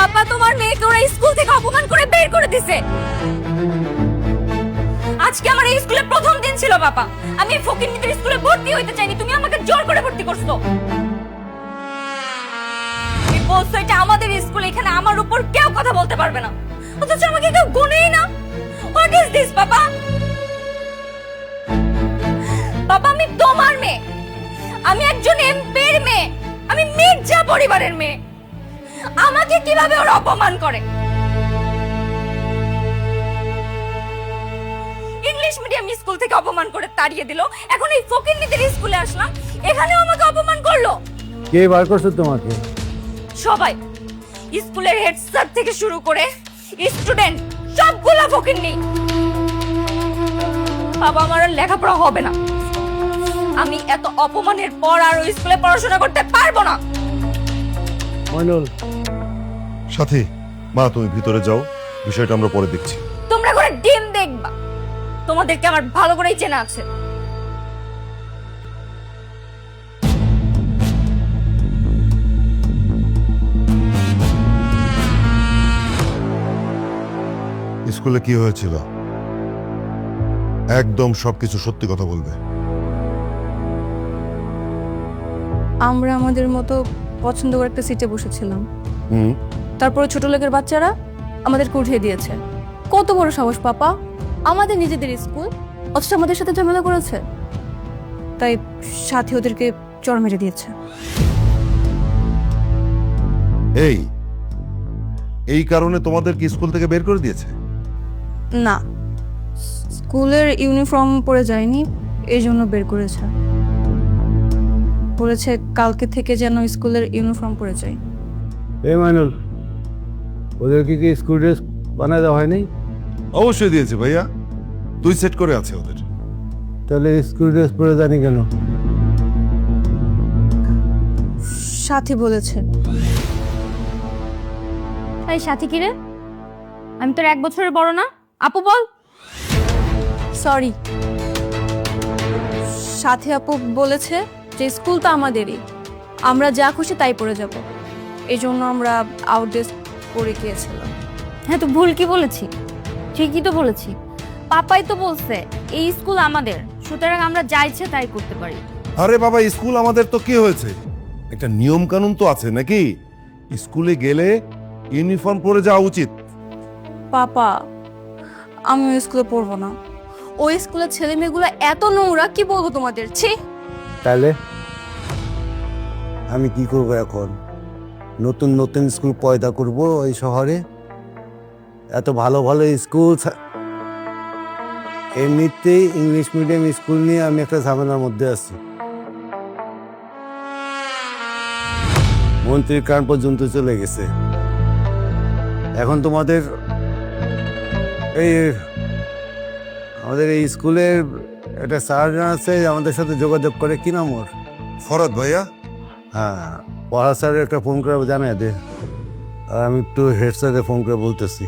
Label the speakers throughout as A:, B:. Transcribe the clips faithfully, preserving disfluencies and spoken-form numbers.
A: পাপা তোমার মেয়েকে ওরা স্কুল থেকে অপমান করে বের করে দিছে। আজকে আমার এই স্কুলে প্রথম দিন ছিল বাবা, আমি ফকিন্নিদের স্কুলে ভর্তি হইতে চাইনি, তুমি আমাকে জোর করে ভর্তি করছো। এই বলছো এটা আমাদের স্কুল, এখানে আমার উপর কেউ কথা বলতে পারবে না, অথচ আমাকে কেউ গুনেই না। হোয়াট ইজ দিস বাবা? বাবা আমি তোমার মেয়ে, আমি একজন এমপির মেয়ে, আমি মির্জা পরিবারের মেয়ে, আমাকে কিভাবে ওরা অপমান করে? ইংলিশ মিডিয়াম স্কুল থেকে অপমান করে তাড়িয়ে দিল, এখন এই ফকিন্নিদের স্কুলে আসলাম, এখানেও আমাকে অপমান করলো।
B: কে বার করছে তোমাকে?
A: সবাই, স্কুলের হেড স্যার থেকে শুরু করে স্টুডেন্ট সবগুলা ফকিন্নি। বাবা আমার আর লেখাপড়া হবে না, আমি এত অপমানের পর আর ওই স্কুলে পড়াশোনা করতে পারবো না।
B: মইনুল,
C: সাথী, মা তুমি ভিতরে যাও, বিষয়টা আমরা পরে দেখছি।
A: তোমরা করে ডিম দেখবা, তোমাদেরকে আমার ভালো করেই চেনা আছে।
C: স্কুলে কি হয়েছিল একদম সবকিছু সত্যি কথা বলবে।
D: আমরা আমাদের মতো পছন্দ করে একটা সিটে বসেছিলাম,
C: হুম
D: তারপরে ছোট লোকের বাচ্চারা আমাদেরকে উঠিয়ে দিয়েছে। কত বড় সাহস পাপা, আমাদের নিজেদের স্কুল, অথচ আমাদের সাথে ঝামেলা করেছে। তাই সাথী ওদেরকে চড় মেরে দিয়েছে।
C: এই এই কারণে তোমাদেরকে স্কুল থেকে বের করে দিয়েছে?
D: না, স্কুলের ইউনিফর্ম পরে যায়নি, এই জন্য বের করেছে। বলেছে কালকে থেকে যেন স্কুলের ইউনিফর্ম পরে যাই।
B: এই মইনুল, ওদেরকে কি স্কুল ড্রেস বানায় দেওয়া হয়নি?
C: অবশ্যই দিয়েছে ভাইয়া, দুই সেট করে আছে ওদের।
B: তাহলে স্কুল ড্রেস পরে জানি কেন?
D: সাথী বলেছে।
A: এই সাথী কি রে? আমি তোর এক বছরের বড় না? আপু বল।
D: সরি, সাথী আপু বলেছে যে স্কুল তো আমাদেরই, আমরা যা খুশি তাই পরে যাব, এই জন্য আমরা আউটড্রেস পরে গিয়েছিলাম।
A: হ্যাঁ তো ভুল কি বলেছি? ঠিকই তো বলেছি, পাপাই তো বলছে এই স্কুল আমাদের, সুতরাং আমরা যা ইচ্ছে তাই করতে পারি।
C: আরে বাবা, স্কুল আমাদের তো কি হয়েছে, একটা নিয়ম কানুন তো আছে নাকি? স্কুলে গেলে ইউনিফর্ম পরে যাওয়া উচিত।
D: পাপা আমি ওই স্কুলে পড়বো না, ওই স্কুলের ছেলে মেয়েগুলো এত নোংরা, কি বলবো তোমাদের। ছি।
B: তাহলে আমি কি করব এখন? নতুন নতুন স্কুল পয়দা করব এই শহরে? এত ভালো ভালো স্কুল, এমনিতেই ইংলিশ মিডিয়াম স্কুল নিয়ে আমি একটা ঝামেলার মধ্যে আছি। মন্ত্রীর কান পর্যন্ত চলে গেছে। এখন তোমাদের এই আমাদের এই স্কুলের একটা স্যার আছে, আমাদের সাথে যোগাযোগ করে, কি নাম ওর?
C: ফরাদ ভাইয়া।
B: হ্যাঁ, পড়া স্যারের একটা ফোন করে জানাই দে, আর আমি একটু হেড স্যারে ফোন করে বলতেছি।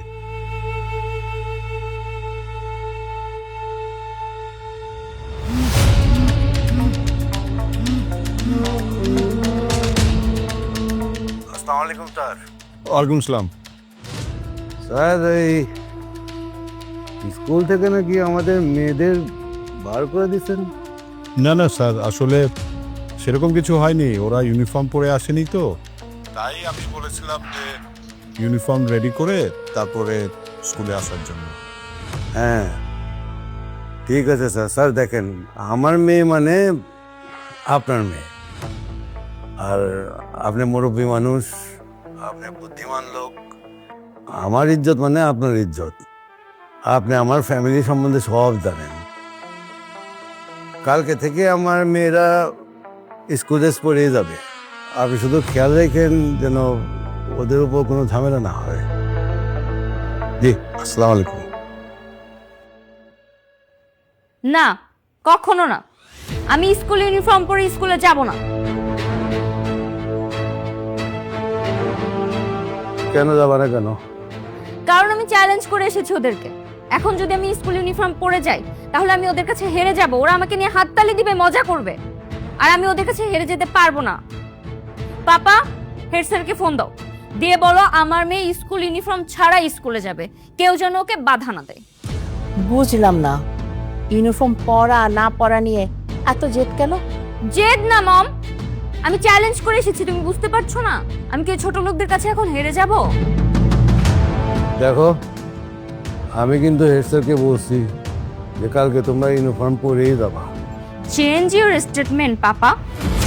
B: আসসালামু আলাইকুম স্যার।
C: ওয়ালাইকুম সালাম।
B: স্যার, এই স্কুল থেকে নাকি আমাদের মেয়েদের বার করে দিচ্ছেন?
E: না না স্যার, আসলে সেরকম কিছু হয়নি, ওরা ইউনিফর্ম পরে আসেনি তো, তাই আমি বলেছিলাম যে ইউনিফর্ম রেডি করে তারপরে স্কুলে আসার জন্য।
B: হ্যাঁ ঠিক আছে স্যার। স্যার দেখেন, আমার মেয়ে মানে আপনার মেয়ে, আর আপনি মুরব্বী মানুষ, আপনি বুদ্ধিমান লোক, আমার ইজ্জত মানে আপনার ইজ্জত। আপনি আমার ফ্যামিলি সম্বন্ধে সব জানেন। কালকে থেকে আমার মেয়েরা স্কুল ড্রেস পরে যাবে, আপনি শুধু খেয়াল রাখেন যেন ওদের উপর কোনো ঝামেলা না হয়। জি, আসসালামু আলাইকুম।
A: না, কখনো না, আমি স্কুল ইউনিফর্ম পরে স্কুলে যাব না।
B: কেন যাবা না? কেন?
A: কারণ আমি চ্যালেঞ্জ করে এসেছি ওদেরকে। এখন যদি আমি স্কুল ইউনিফর্ম পরে যাই তাহলে আমি ওদের কাছে হেরে যাব, ওরা আমাকে নিয়ে হাততালি দিবে, মজা করবে, আর আমি ওদের কাছে হেরে যেতে পারবো না। পাপা, হেড স্যারকে ফোন দাও, দিয়ে বলো আমার মেয়ে স্কুল ইউনিফর্ম ছাড়া স্কুলে যাবে, কেউ যেন ওকে বাধা না দেয়।
F: বুঝলাম না, ইউনিফর্ম পরা না পরা নিয়ে এত জেদ কেন?
A: জেদ না মম, আমি চ্যালেঞ্জ করে এসেছি, তুমি বুঝতে পারছো না? আমি কি ছোট লোকদের কাছে এখন হেরে যাব?
B: দেখো, আমি কিন্তু হেড স্যারকে বলছি যে কালকে তোমরা ইউনিফর্ম পরেই যাবা।
A: Change your statement papa.